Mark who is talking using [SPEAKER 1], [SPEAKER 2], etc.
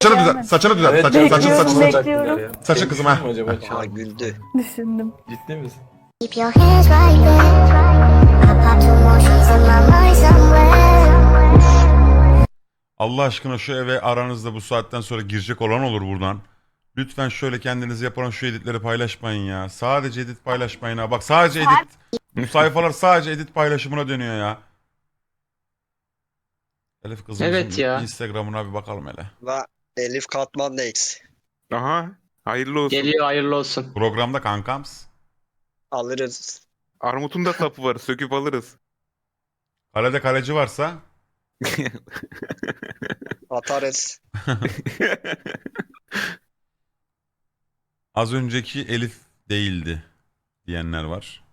[SPEAKER 1] Saçını düzelt. Saçını düzelt.
[SPEAKER 2] Evet,
[SPEAKER 1] Saçını
[SPEAKER 2] bekliyorum,
[SPEAKER 1] saçını.
[SPEAKER 2] bekliyorum.
[SPEAKER 1] Saçın kızım ha.
[SPEAKER 2] Acaba
[SPEAKER 3] Aa güldü.
[SPEAKER 2] Düşündüm.
[SPEAKER 4] Ciddi misin?
[SPEAKER 5] Keep your hands right there. I pop two more sheets in my mind somewhere.
[SPEAKER 1] Allah aşkına şu eve aranızda bu saatten sonra girecek olan olur buradan. Lütfen şöyle kendiniz yapılan şu editleri paylaşmayın ya. Sadece edit paylaşmayın ha. Bak sadece edit. Bu sayfalar sadece edit paylaşımına dönüyor ya. Elif kızımızın
[SPEAKER 6] Evet ya.
[SPEAKER 1] Instagram'ına bir bakalım hele.
[SPEAKER 3] Ve Elif Katman Next.
[SPEAKER 7] Aha. Hayırlı olsun.
[SPEAKER 6] Geliyor, hayırlı olsun.
[SPEAKER 1] Programda kankams.
[SPEAKER 3] Alırız.
[SPEAKER 7] Armut'un da sapı var. Söküp alırız.
[SPEAKER 1] Kalede kaleci varsa
[SPEAKER 3] Atarız.
[SPEAKER 1] az önceki Elif değildi diyenler var.